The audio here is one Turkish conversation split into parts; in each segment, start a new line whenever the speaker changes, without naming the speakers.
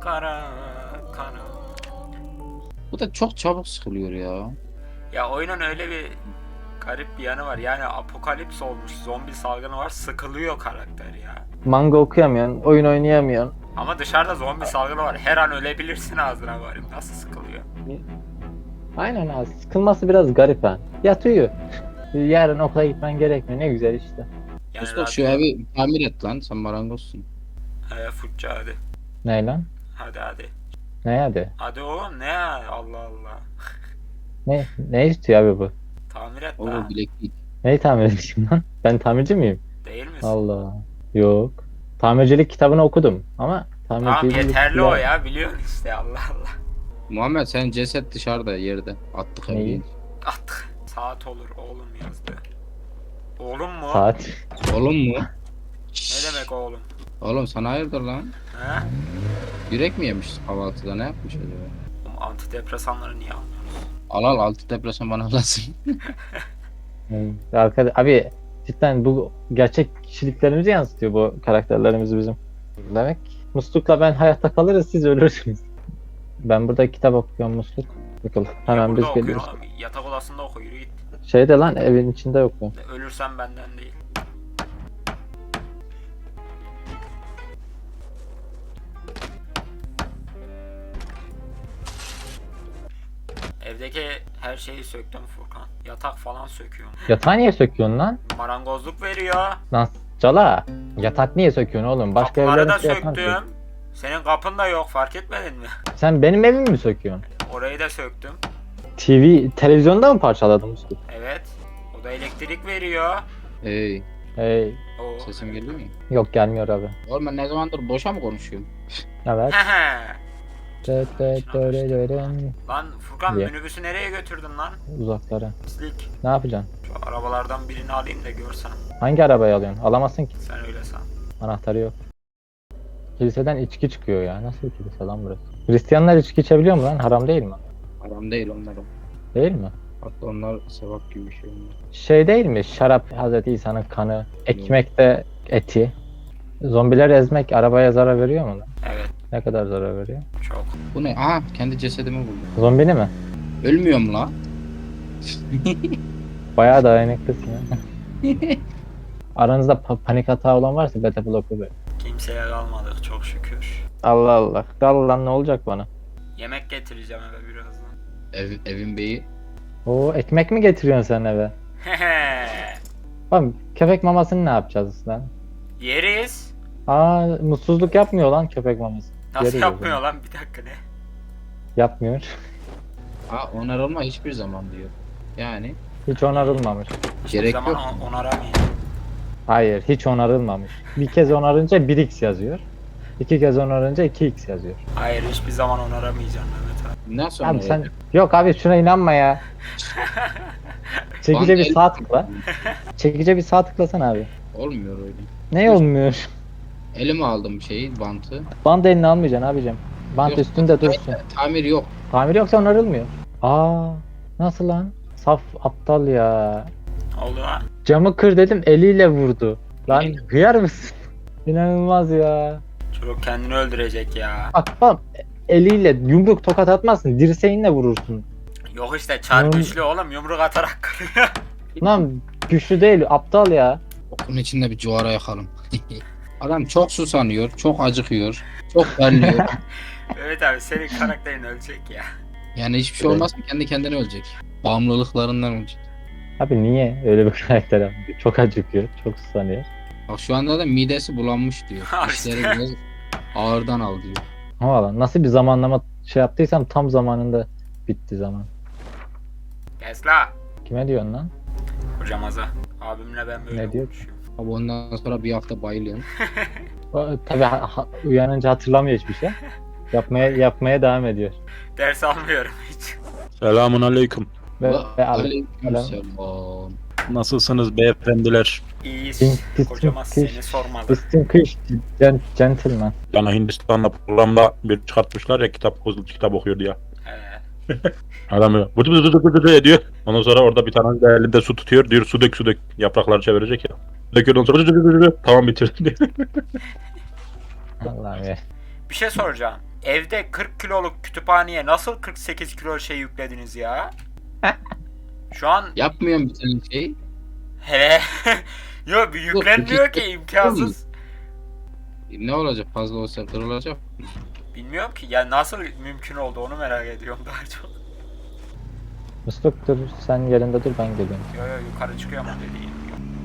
Kara kara.
Bu da çok çabuk sıkılıyor ya.
Ya oyunun öyle bir garip bir yanı var. Yani apokalips olmuş, zombi salgını var, sıkılıyor karakter ya.
Manga okuyamıyorsun, oyun oynayamıyorsun.
Ama dışarıda zombi salgını var. Her an ölebilirsin ağzına varayım. Nasıl sıkılıyor?
Aynen abi, sıkılması biraz garip ha. Yat uyu. Yarın okula gitmen gerekmiyor, ne güzel işte.
Yani
Mustafa şu evi tamir et lan, sen marangozsun.
Futça hadi.
Ne lan?
Hadi hadi.
Ne hadi?
Hadi oğlum ne ya? Allah Allah.
Ne istiyor abi bu?
Tamir et
O
lan.
bileklik.
Neyi tamir edeyim lan? Ben tamirci miyim?
Değil misin?
Allah. Yok. Tamircilik kitabını okudum ama
Tamam
tamircilik
yeterli o ya. Biliyorsun işte Allah Allah.
Muhammed senin ceset dışarıda yerde. Attık
Neyi?
evi.
Attık. Saat olur oğlum yazdı. Oğlum mu?
Saat.
Oğlum mu?
Ne demek oğlum?
Oğlum sana hayırdır lan?
He?
Yürek mi yemiş kahvaltıda, ne yapmış acaba?
Oğlum antidepresanları niye almıyorsunuz?
Al altı depresyon bana lazım.
Abi cidden bu gerçek kişiliklerimizi yansıtıyor bu karakterlerimiz bizim. Demek Musluk'la ben hayatta kalırız, siz ölürsünüz. Ben burada kitap okuyorum Musluk. Bakalım hemen biz
Burada
geliyoruz.
okuyor, yatak odasında oku, yürü git.
Şeyde lan, evin içinde okuyorum.
Ölürsen benden değil. Evdeki her şeyi söktüm Furkan. Yatak falan söküyorum.
Yatağı niye söküyorsun lan?
Marangozluk veriyor.
Lan cala. Yatak niye söküyorsun oğlum? Başka
Kapıları da
evlerin yatağı
söktüm.
yok.
Senin kapın da yok, fark etmedin mi?
Sen benim evimi mi söküyorsun?
Orayı da söktüm.
Televizyonda mı parçaladın Musluk?
Evet. O da elektrik veriyor.
Hey,
Hey.
Oo.
sesim geliyor mu?
Yok, gelmiyor abi.
Oğlum ben ne zamandır boşa mı konuşuyorum?
Evet.
Lan Furkan
Niye?
minibüsü nereye götürdün lan?
Uzaklara.
Pislik.
Ne yapacaksın?
Şu arabalardan birini alayım da görsen.
Hangi arabayı alıyorsun? Alamazsın ki.
Sen öyle san.
Anahtarı yok. Kiliseden içki çıkıyor ya. Nasıl bir kilise lan burası? Hristiyanlar içki içebiliyor mu lan? Haram değil mi?
Haram değil onlar o.
Değil mi?
Hatta onlar sevap gibi bir şey onlar.
Şey değil mi? Şarap Hazreti İsa'nın kanı. Ekmekte eti. Zombileri ezmek arabaya zarar veriyor mu lan?
Evet,
Ne kadar zarar veriyor?
çok.
Bu ne? Aha kendi cesedimi buldum.
Zombini mi?
Ölmüyorum la.
Bayağı dayanıklısın ya. Aranızda panik hata olan varsa beta bloku ver.
Kimseye kalmadık çok şükür.
Allah Allah. Dal lan, ne olacak bana?
Yemek getireceğim eve birazdan.
Evin beyi.
Oo, ekmek mi getiriyorsun sen eve? Bak, köpek mamasını ne yapacağız lan?
Yeriz.
Aa, mutsuzluk yapmıyor lan köpek maması.
Nasıl
Yeriz o
yapmıyor
zaman.
lan, bir dakika ne?
Yapmıyor.
Ha onarılma hiçbir zaman diyor. Yani
Hiç onarılmamış.
Hiçbir
Gerek
zaman
yok.
onaramayacağım.
Hayır, hiç onarılmamış. Bir kez onarınca 1x yazıyor. İki kez onarınca 2x yazıyor.
Hayır, hiçbir zaman onaramayacağım Mehmet abi.
nasıl
Abi sen...
onarılacak?
Yok abi, şuna inanma ya. Çekice bir sağ tıkla. Çekice bir sağ tıklasana abi.
Olmuyor öyle.
Ne olmuyor?
Elime aldım şeyi, bantı.
Bant elini almayacaksın abicim. Bant
Yok,
üstünde dursun.
Tamir yok.
Tamir yoksa onarılmıyor. Aa, nasıl lan? Saf aptal ya.
Oldu ha.
Camı kır dedim, eliyle vurdu. Lan
Aynen.
hıyar mısın? İnanılmaz ya.
Çocuk kendini öldürecek ya.
Bak eliyle yumruk tokat atmazsın, dirseğinle vurursun.
Yok işte çar
Hmm.
güçlü oğlum, yumruk atarak kırıyor.
Lan güçlü değil, aptal ya.
Bunun içinde bir cuvara yakalım. Adam çok susanıyor, çok acıkıyor, çok terliyor.
Evet abi, senin karakterin ölecek ya.
Yani hiçbir şey olmaz mı? Kendi kendine ölecek. Bağımlılıklarından ölecek.
Abi niye öyle bir karakter yapıyor? Çok acıkıyor, çok susanıyor.
Bak şu anda da midesi bulanmış diyor.
Ha
İşleri
işte.
biraz ağırdan al diyor.
Ama lan nasıl bir zamanlama şey yaptıysam tam zamanında bitti zaman.
Kes la.
Kime diyorsun lan?
Hocamaza. Abimle ben böyle
Ne diyor?
konuşuyorum.
Abi ondan sonra bir hafta bayılıyorum.
Tabii uyanınca hatırlamıyor hiçbir şey. Yapmaya devam ediyor.
Ders almıyorum hiç.
Selamun aleyküm.
Ve
Aleykümselam.
Nasılsınız beyefendiler?
İyiyiz.
Pis-
Kocamaz
pis-
seni sormalı.
Distin kış gentleman.
Yani Hindistan'da programda bir çıkartmışlar ya, kitap okuyor diye. Adam böyle bıdı bıdı bıdı bıdı ediyor. Ondan sonra orada bir tane de elinde su tutuyor. Diyor su dök yaprakları çevirecek ya. Döküyor, ondan sonra bıdı bıdı bıdı. Tamam bitirdim diyor.
Allah'ım ya.
Bir şey soracağım. evde 40 kiloluk kütüphaneye nasıl 48 kilo şey yüklediniz ya? Şu an
Yapmıyorum bir tane şey.
he yok bir yüklenmiyor ki imkansız.
Ne olacak, fazla olsa kırılacak.
Bilmiyorum ki ya nasıl mümkün oldu onu merak ediyorum daha çok.
Musluk dur sen yerinde dur ben geliyorum.
Yo yo yukarı çıkıyor mu dediğin.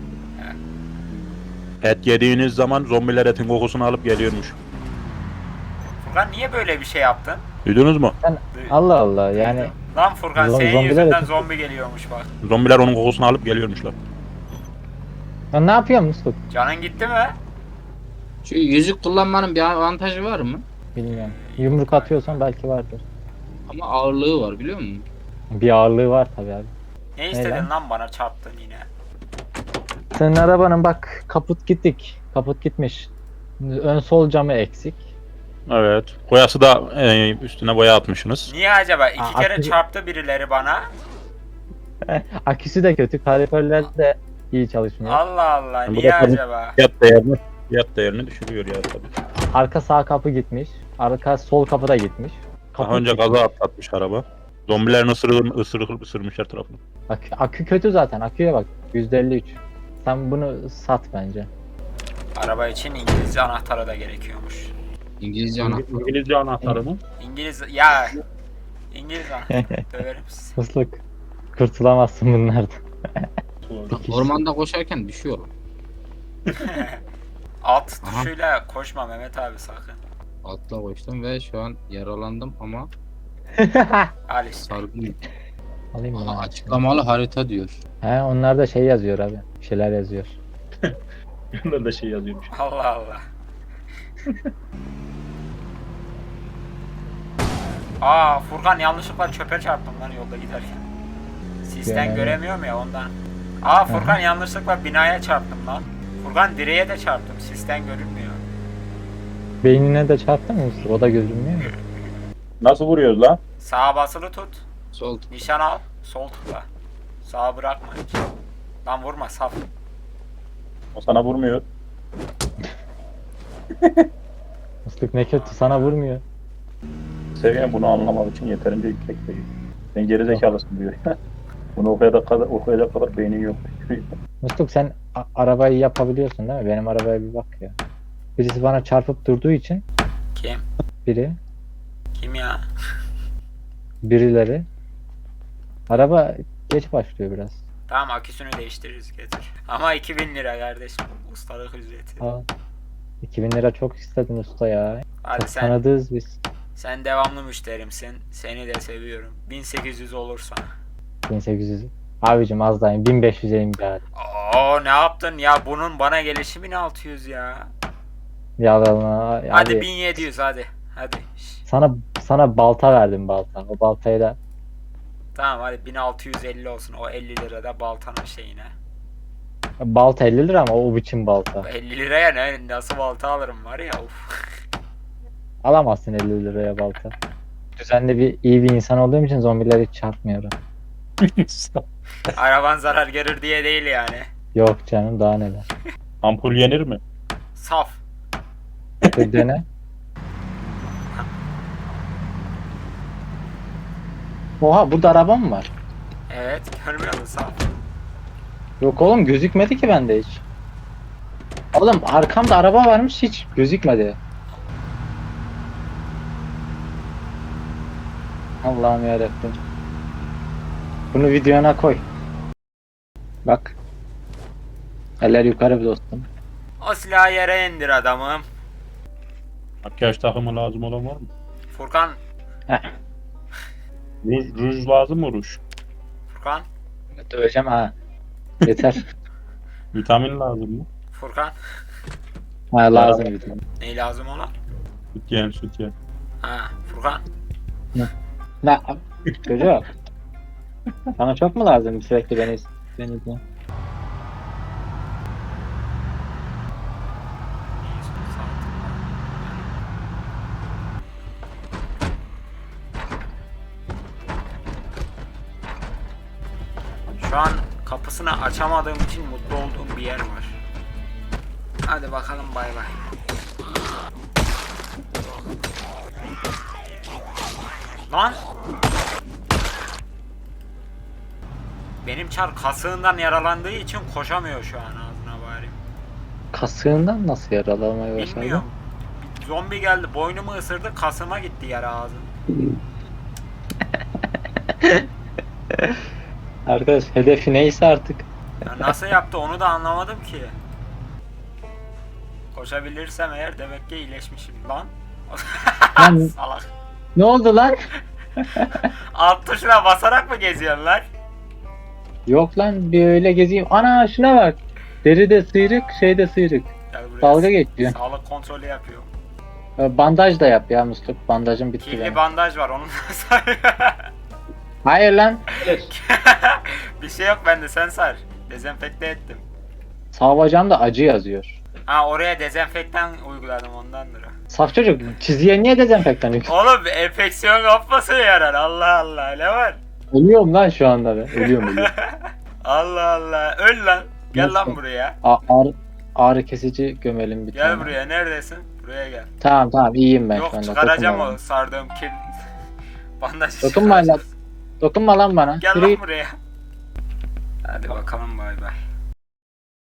Et yediğiniz zaman zombiler etin kokusunu alıp geliyormuş.
Furkan niye böyle bir şey yaptın?
Duydunuz mu?
Allah Allah yani
Lan Furkan senin
Zombiler
yüzünden
eti-
zombi geliyormuş bak.
Zombiler onun kokusunu alıp geliyormuşlar.
ya ne yapıyorsun Musluk?
Canın gitti mi?
Şu yüzük kullanmanın bir avantajı var mı?
Bilmiyorum. Yumruk atıyorsan belki vardır.
Ama ağırlığı var biliyor musun?
Bir ağırlığı var tabii abi.
Ne istedin
lan?
lan bana çarptın yine.
Senin arabanın bak kaput gittik. Kaput gitmiş. Ön sol camı eksik.
Evet. Boyası da üstüne boya atmışsınız.
Niye acaba? İki
Aa,
kere
aklı-
çarptı birileri bana.
Aküsü de kötü. Kaloriferler de iyi çalışmıyor.
Allah Allah
Bu
niye
da tabii-
acaba?
Fiyat değerini düşürüyor ya tabii.
Arka sağ kapı gitmiş. Arka sol kapı da gitmiş.
Daha önce
gitmiş.
kaza atlatmış araba. Zombilerin ısırmışlar tarafını.
Akü kötü zaten. Aküye bak. %53. Sen bunu sat bence.
Araba için İngilizce anahtarı da gerekiyormuş.
İngilizce anahtar.
İngilizce anahtarı mı?
İngiliz ya İngiliz anahtarı döverim sizi.
Musluk. Kurtulamazsın bunlardan.
Ormanda koşarken düşüyor.
Alt
Aha.
tuşuyla koşma Mehmet abi sakın.
Atla koştum ve şu an yaralandım ama
Al işte.
sargın.
Alayım mı?
Aha, açıklamalı harita diyor.
He onlar da şey yazıyor abi. Bir şeyler yazıyor.
Yanında da şey yazıyormuş.
Allah Allah. Aa Furkan yanlışlıkla çöpe çarptım lan yolda giderken. Sisten
Yani.
göremiyorum ya ondan. Aa Furkan yanlışlıkla binaya çarptım lan. Furkan direğe de çarptım. Sisten görünmüyor.
Beynine de çarptı mı Musluk? O da görünmüyor mu?
Nasıl vuruyoruz lan?
Sağa basılı tut.
Sol.
Nişan al. Sol tıkla. Sağa bırakma hiç. Lan vurma saf.
O sana vurmuyor.
Musluk ne kötü sana vurmuyor.
Seviyen bunu anlamak için yeterince yüksek değil. Sen geri zekalısın diyor. Bunu okuyacak kadar beynin yok.
Musluk sen arabayı yapabiliyorsun değil mi? Benim arabaya bir bak ya. Birisi bana çarpıp durduğu için
Kim?
biri,
Kim ya?
birileri. Araba geç başlıyor biraz.
Tamam aküsünü değiştiririz getir. Ama 2000 lira kardeşim. Ustalık ücreti.
Aa, 2000 lira çok istedin usta ya.
Hadi
Çok
sen
tanıdığız biz.
sen devamlı müşterimsin. Seni de seviyorum. 1800 olursa.
1800. Abicim az daha in. 1500'e in bir hadi.
Oo ne yaptın ya? Bunun bana gelişi 1600 ya.
Yalan
Hadi
abi.
1700 hadi. Hadi. Şş.
Sana balta verdim balta. O baltayı da
Tamam hadi 1650 olsun. O 50 lira da baltanın şeyine.
balta 50 lira ama o biçim balta.
50 liraya nasıl balta alırım var ya uf.
Alamazsın 50 liraya balta. Düzenli iyi bir insan olduğum için zombileri hiç çarpmıyorum.
Araban zarar görür diye değil yani.
Yok canım daha neler.
Ampul yenir mi?
Saf.
Bir dene. Oha burada araba mı var?
Evet görmüyor musun saf?
Yok oğlum gözükmedi ki bende hiç. Oğlum arkamda araba varmış hiç gözükmedi. Allah'ım yarabbim. Bunu videona koy. Bak. Eller yukarı dostum.
O silahı yere indir adamım.
Makyaj takımı lazım olan var mı?
Furkan.
Ruj lazım mı ruj?
Furkan.
Döveceğim ha. Yeter.
Vitamin lazım mı?
Furkan.
Ha lazım video.
Ne lazım ona?
Sütyen.
Ha Furkan.
Ne? Çocuk. Sana çok mu lazım sürekli beni izle?
Şu an kapısını açamadığım için mutlu olduğum bir yer var. Hadi bakalım bay bay. Lan! Benim Çar kasığından yaralandığı için koşamıyor şu an ağzına bari.
Kasığından nasıl yaralamaya başladı?
Bilmiyorum. Bir zombi geldi boynumu ısırdı kasıma gitti yara ağzım.
Arkadaş hedefi neyse artık.
Ya nasıl yaptı onu da anlamadım ki. Koşabilirsem eğer demek ki iyileşmişim lan.
Lan
Salak.
ne oldu lan?
Alt tuşuna basarak mı geziyorsun lan?
Yok lan bir öyle gezeyim. Ana şuna bak. Deride sıyrık, şeyde sıyrık.
Gel buraya.
Dalga geçiyor.
Sağlık kontrolü yapıyor.
Bandaj da yap ya Musluk. Bandajım bitti
Kirli
benim.
bandaj var onun da sar.
Hayır lan.
Bir şey yok bende sen sar. Dezenfekte ettim.
Sağ bacağımda acı yazıyor.
Ha oraya dezenfektan uyguladım ondandır o.
Saf çocuk çizgiye niye dezenfektan yüklüyor?
Oğlum enfeksiyon kapması yarar Allah Allah ne var?
Ölüyorum lan şu anda ben. Ölüyorum.
Allah Allah öl lan. Gel
Nasıl?
lan buraya.
Ağrı kesici gömelim bir
Gel
tane.
buraya neredesin? Buraya gel.
Tamam iyiyim ben
Yok
şu anda.
çıkaracağım
Dokunma
o
bana.
sardığım kir... bandajı
Dokunma lan.
çıkaracağız.
Dokunma lan bana.
Gel
Yürü
lan
git.
buraya. Hadi bakalım bay bay.